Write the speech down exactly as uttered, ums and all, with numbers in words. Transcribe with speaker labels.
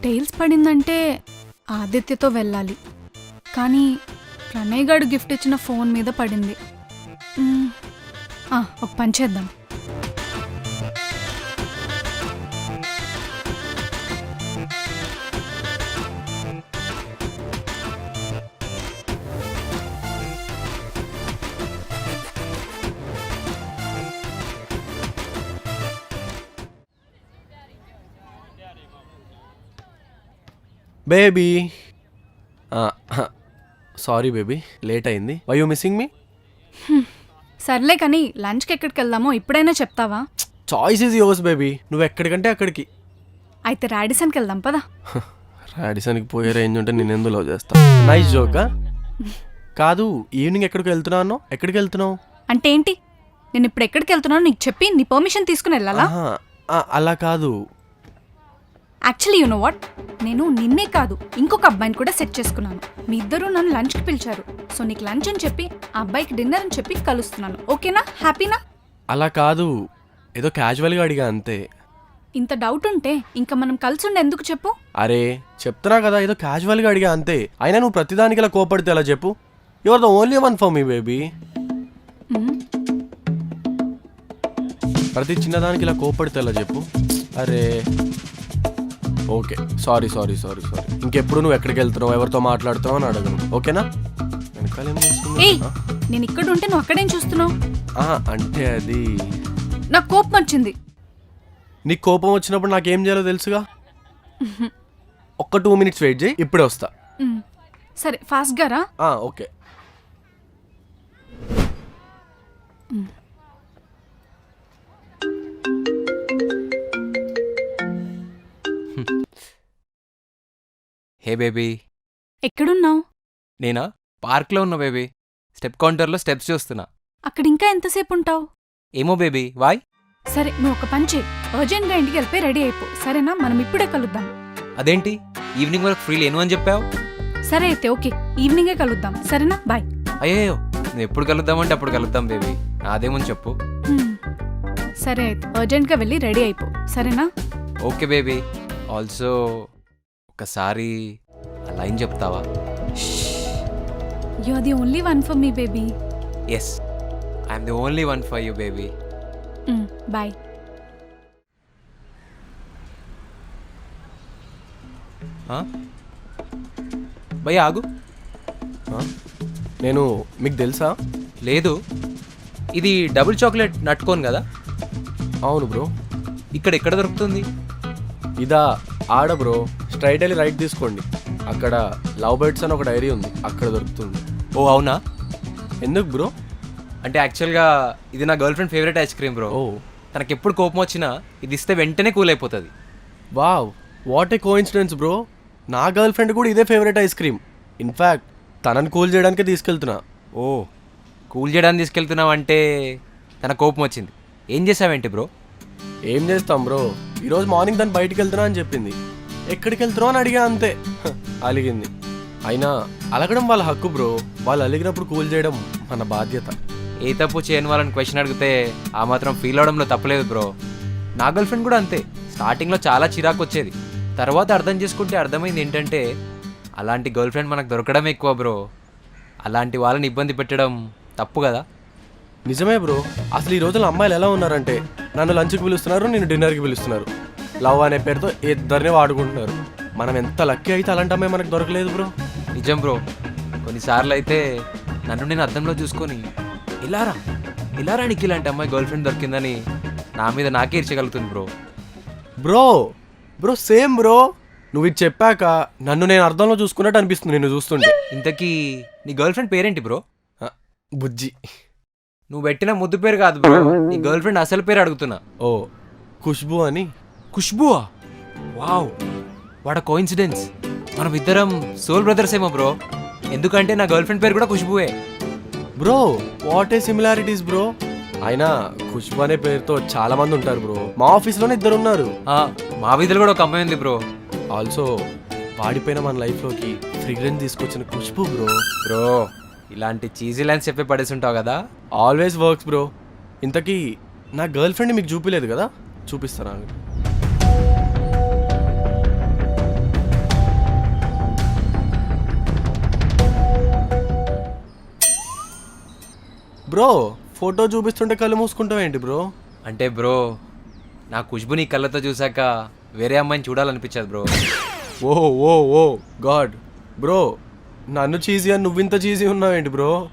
Speaker 1: Tiles పడిందంటే ఆదిత్యతో వెళ్ళాలి, కానీ ప్రణయ్ గారు గిఫ్ట్ ఇచ్చిన ఫోన్ మీద పడింది. మ్మ్. ఆ, ఒక పని చేద్దాం.
Speaker 2: బేబీ, సారీ బేబీ, లేట్ అయింది. Why you missing me?
Speaker 1: సర్లే కానీ లంచ్కి ఎక్కడికి వెళ్దామో ఇప్పుడైనా చెప్తావా?
Speaker 2: చాయిస్ ఈజ్ యోర్స్ బేబీ, నువ్వు ఎక్కడికంటే అక్కడికి.
Speaker 1: అయితే రాడిసన్కి వెళ్దాం పదా.
Speaker 2: రాడిసన్కి పోయే రేంజ్ ఉంటే నేను ఎందుకు లవ్ చేస్తా? నైస్ జోకా. కాదు, ఈవినింగ్ ఎక్కడికి వెళ్తున్నావు? ఎక్కడికి వెళ్తున్నావు
Speaker 1: అంటే ఏంటి? నేను ఇప్పుడు ఎక్కడికి వెళ్తున్నానో నీకు చెప్పి నీ పర్మిషన్ తీసుకుని వెళ్ళాలా?
Speaker 2: అలా కాదు.
Speaker 1: యాక్చువల్లీ యు నో వాట్, నేను నిన్నే కాదు ఇంకొక అబ్బాయిని కూడా సెట్ చేసుకున్నాను. మీ ఇద్దరు నన్ను లంచ్కి పిలిచారు, సో నీకు లంచ్ అని చెప్పి ఆ అబ్బాయికి డిన్నర్ అని చెప్పి కలుస్తున్నాను. ఓకేనా? హ్యాపీనా?
Speaker 2: అలా కాదు, ఏదో క్యాజువల్గా అడిగా అంతే.
Speaker 1: ఇంత డౌట్ ఉంటే ఇంకా మనం కలిసి ఉండే ఎందుకు చెప్పు?
Speaker 2: అరే చెప్తున్నా కదా, ఏదో క్యాజువల్గా అడిగా అంతే. అయినా నువ్వు ప్రతిదానికి ఇలా కోపడితే ఎలా చెప్పు? You are the only one for me baby. ప్రతి చిన్నదానికి ఇలా కోపడితే ఎలా చెప్పు? అరే okay, sorry sorry sorry sorry ఇంకెప్పుడు నువ్వు ఎక్కడికి వెళ్తున్నావు, ఎవరితో మాట్లాడుతున్నావు అని అడగను, ఓకేనా?
Speaker 1: ఏయ్, నేను ఇక్కడ ఉంటే నువ్వు అక్కడేం చూస్తున్నావు?
Speaker 2: అంటే అది
Speaker 1: నాకు కోపం వచ్చింది.
Speaker 2: నీకు కోపం వచ్చినప్పుడు నాకేం చేయాలో తెలుసుగా. ఒక్క టూ మినిట్స్ వెయిట్ చేయి, ఇప్పుడే వస్తా.
Speaker 1: సరే, ఫాస్ట్గా రా.
Speaker 2: ఓకే.
Speaker 3: Hey baby.
Speaker 1: ఎక్కడున్నావు?
Speaker 3: నేనా? పార్క్లో ఉన్నా బేబీ. స్టెప్ కౌంటర్లో స్టెప్స్ చూస్తున్నా.
Speaker 1: అక్కడ ఇంకా ఎంతసేపు ఉంటావు?
Speaker 3: ఏమో బేబీ, వాయ్?
Speaker 1: సరే, నువ్వు ఒక పని చేయి, అర్జెంట్గా ఇంటికి వెళ్ళిపోయి రెడీ అయిపో, సరేనా? మనం ఇప్పుడే కలుద్దాం.
Speaker 3: అదేంటి, ఈవినింగ్ వరకు ఫ్రీ లేను అని చెప్పావు?
Speaker 1: సరే అయితే ఓకే, ఈవినింగే కలుద్దాం, సరేనా? బాయ్.
Speaker 3: అయ్యో, నువ్వు ఎప్పుడు కలుద్దామంటే అప్పుడు కలుద్దాం బేబీ, నాదేమని చెప్పు.
Speaker 1: సరే అయితే అర్జెంట్గా వెళ్ళి రెడీ అయిపో, సరేనా?
Speaker 3: Okay baby. ఆల్సో ఒకసారి ఆ లైన్ చెప్తావా?
Speaker 1: You are the only one for me baby.
Speaker 3: Yes, I'm the only one for you baby.
Speaker 1: Bye.
Speaker 3: భయ్ ఆగు.
Speaker 2: నేను మీకు తెలుసా?
Speaker 3: లేదు. ఇది డబుల్ చాక్లెట్ నట్టుకోను కదా?
Speaker 2: అవును బ్రో.
Speaker 3: ఇక్కడ ఎక్కడ దొరుకుతుంది?
Speaker 2: ఇదా ఆడ బ్రో, స్ట్రైట్ వెళ్ళి రైట్ తీసుకోండి, అక్కడ లవ్ బర్డ్స్ అని ఒక డైరీ ఉంది, అక్కడ దొరుకుతుంది.
Speaker 3: ఓ అవునా?
Speaker 2: ఎందుకు బ్రో?
Speaker 3: అంటే యాక్చువల్గా ఇది నా girlfriend favourite ice cream bro.
Speaker 2: ఓ,
Speaker 3: తనకి ఎప్పుడు కోపం వచ్చినా ఇది ఇస్తే వెంటనే కూల్ అయిపోతుంది.
Speaker 2: Wow, what a coincidence bro. నా గర్ల్ ఫ్రెండ్ కూడా ఇదే ఫేవరెట్ ఐస్ క్రీమ్. ఇన్ఫ్యాక్ట్ తనని కూల్ చేయడానికి తీసుకెళ్తున్నా.
Speaker 3: ఓ, కూల్ చేయడానికి తీసుకెళ్తున్నావు అంటే తన కోపం వచ్చింది. ఏం చేసావేంటి బ్రో?
Speaker 2: ఏం చేస్తాం బ్రో, ఈరోజు మార్నింగ్ తను బయటికి వెళ్తున్నా అని చెప్పింది. ఎక్కడికి వెళ్తున్నావు అని అడిగా అంతే, అలిగింది. అయినా అలగడం వాళ్ళ హక్కు బ్రో, వాళ్ళు అలిగినప్పుడు కూల్ చేయడం మన బాధ్యత.
Speaker 3: ఏ తప్పు చేయని వాళ్ళని క్వశ్చన్ అడిగితే ఆ మాత్రం ఫీల్ అవడంలో తప్పలేదు బ్రో. నా గర్ల్ ఫ్రెండ్ కూడా అంతే. స్టార్టింగ్లో చాలా చిరాకు వచ్చేది, తర్వాత అర్థం చేసుకుంటే అర్థమైంది ఏంటంటే అలాంటి గర్ల్ ఫ్రెండ్ మనకు దొరకడం ఎక్కువ బ్రో. అలాంటి వాళ్ళని ఇబ్బంది పెట్టడం తప్పు కదా.
Speaker 2: నిజమే బ్రో, అసలు ఈ రోజుల్లో అమ్మాయిలు ఎలా ఉన్నారంటే నన్ను లంచ్కి పిలుస్తున్నారు, నేను డిన్నర్కి పిలుస్తున్నారు, లవ్ అనే పేరుతో ఇద్దరినే వాడుకుంటున్నారు. మనం ఎంత లక్కీ అయితే అలాంటి అమ్మాయి మనకు దొరకలేదు బ్రో.
Speaker 3: నిజం బ్రో. కొన్నిసార్లు అయితే నన్ను నేను అద్దంలో చూసుకొని ఇలారా ఇలారా నీకు ఇలాంటి అమ్మాయి గర్ల్ ఫ్రెండ్ దొరికిందని నా మీద నాకే ఇర్చగలుగుతుంది bro.
Speaker 2: Bro bro same bro, నువ్వు ఇది చెప్పాక నన్ను నేను అర్థంలో చూసుకున్నట్టు అనిపిస్తుంది నిన్ను చూస్తుంటే.
Speaker 3: ఇంతకీ నీ గర్ల్ ఫ్రెండ్ పేరేంటి బ్రో?
Speaker 2: బుజ్జి.
Speaker 3: నువ్వు పెట్టిన ముద్దు పేరు కాదు బ్రో, నీ గర్ల్ ఫ్రెండ్ అసలు పేరు అడుగుతున్నా.
Speaker 2: ఓ, ఖుష్బూ అని.
Speaker 3: ఖుష్బువా? Wow, what a coincidence. మనం ఇద్దరం సోల్ బ్రదర్స్ ఏమో బ్రో, ఎందుకంటే నా గర్ల్ ఫ్రెండ్ పేరు కూడా ఖుష్బువే.
Speaker 2: Bro what a similarities bro. అయినా ఖుష్బు అనే పేరుతో చాలా మంది ఉంటారు బ్రో, మా ఆఫీస్లోనే ఇద్దరు ఉన్నారు.
Speaker 3: మా వీధిలో కూడా ఒక అమ్మాయి ఉంది బ్రో.
Speaker 2: ఆల్సో వాడిపోయిన మన లైఫ్లోకి ఫ్రిగ్రెన్స్ తీసుకొచ్చిన ఖుష్బు బ్రో.
Speaker 3: బ్రో ఇలాంటి చీజీ లైన్స్ చెప్పి పడేసి ఉంటావు కదా.
Speaker 2: Always works bro. ఇంతకీ నా గర్ల్ ఫ్రెండ్ మీకు చూపిలేదు కదా, చూపిస్తాను. బ్రో ఫోటో చూపిస్తుంటే కళ్ళు మూసుకుంటావు ఏంటి బ్రో?
Speaker 3: అంటే బ్రో నా ఖుష్బు నీ కళ్ళతో చూసాక వేరే అమ్మాయిని చూడాలనిపించదు bro.
Speaker 2: Oh oh oh god bro, నన్ను చీజీ అని నువ్వింత చీజీ ఉన్నావేంటి బ్రో?